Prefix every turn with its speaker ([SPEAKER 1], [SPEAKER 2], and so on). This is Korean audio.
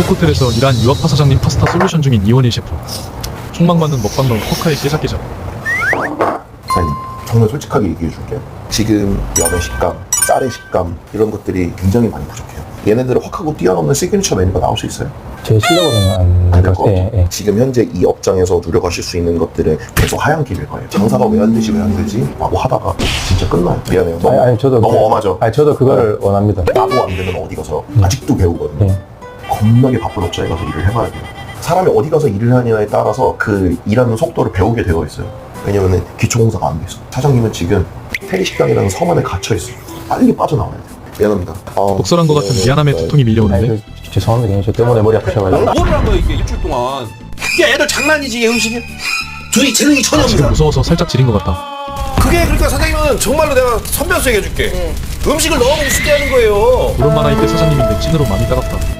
[SPEAKER 1] 고급 호텔에서 일한 유학파 사장님 파스타 솔루션 중인 이원일 셰프. 촉망받는 먹방론 포카의 깨작깨작.
[SPEAKER 2] 사장님, 정말 솔직하게 얘기해 줄게요. 지금 면의 식감, 쌀의 식감 이런 것들이 굉장히 많이 부족해요. 얘네들을 확 하고 뛰어넘는 시그니처 메뉴가 나올 수 있어요?
[SPEAKER 3] 제 실력으로는
[SPEAKER 2] 안
[SPEAKER 3] 안
[SPEAKER 2] 될 것
[SPEAKER 3] 예,
[SPEAKER 2] 같아요.
[SPEAKER 3] 예.
[SPEAKER 2] 지금 현재 이 업장에서 누려가실 수 있는 것들은 계속 하얀 길일 거예요. 장사가 왜 안 되지 라고 하다가 진짜 끝나요. 미안해요. 너무,
[SPEAKER 3] 저도
[SPEAKER 2] 너무 엄하죠?
[SPEAKER 3] 저도 그거를 원합니다.
[SPEAKER 2] 나도 안 되면 어디 가서 아직도 배우거든요.
[SPEAKER 3] 예.
[SPEAKER 2] 겁나게 바쁜 업장에 가서 일을 해봐야 돼요. 사람이 어디 가서 일을 하냐에 따라서 그 일하는 속도를 배우게 되어 있어요. 왜냐면은 기초공사가 안 돼 있어. 사장님은 지금 테리식당이라는 섬 안에 갇혀 있어요. 빨리 빠져나와야 돼요. 미안합니다.
[SPEAKER 1] 독설한 것 같은 미안함의 두통이 밀려오는데
[SPEAKER 3] 죄송합니다. 저 때문에 머리 아프셔가지고.
[SPEAKER 4] 뭐를 한 거야 이게 일주일 동안. 이게 애들 장난이지 이게 음식이. 둘이 재능이 전혀
[SPEAKER 1] 지금
[SPEAKER 4] 없어.
[SPEAKER 1] 무서워서 살짝 지린 것 같다.
[SPEAKER 4] 그게 그러니까 사장님은 정말로 내가 선변수 얘기해줄게. 음식을 너무 우습게 하는 거예요.
[SPEAKER 1] 이런 만화일 때 사장님인데 찐으로 많이 따갑다.